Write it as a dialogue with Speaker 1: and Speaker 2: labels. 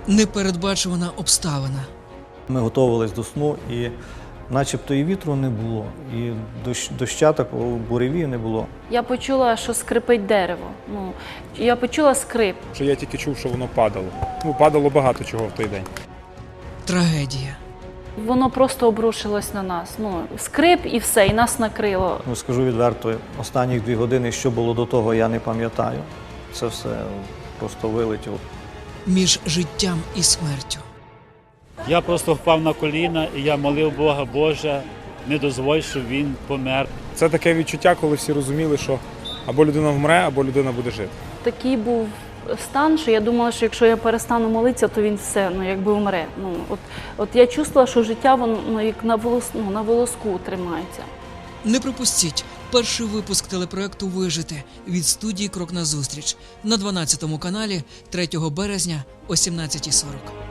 Speaker 1: Непередбачувана обставина.
Speaker 2: Ми готувалися до сну, і начебто і вітру не було, і доща такого буревію не було.
Speaker 3: Я почула, що скрипить дерево. Я почула скрип.
Speaker 4: Що я тільки чув, що воно падало. Падало багато чого в той день.
Speaker 1: Трагедія.
Speaker 3: Воно просто обрушилось на нас. Скрип і все, і нас накрило.
Speaker 2: Скажу відверто, останні 2 години, що було до того, я не пам'ятаю. Це все просто вилетіло.
Speaker 1: Між життям і смертю.
Speaker 5: Я просто впав на коліна і я молив Бога: Боже, не дозволь, щоб він помер.
Speaker 4: Це таке відчуття, коли всі розуміли, що або людина вмре, або людина буде жити.
Speaker 3: Такий був стан, що я думала, що якщо я перестану молитися, то він все, якби вмре. От я чувствувала, що життя воно як на волоску тримається.
Speaker 1: Не пропустіть перший випуск телепроекту «Вижити» від студії «Крок назустріч» на 12 каналі 3 березня о 17:40.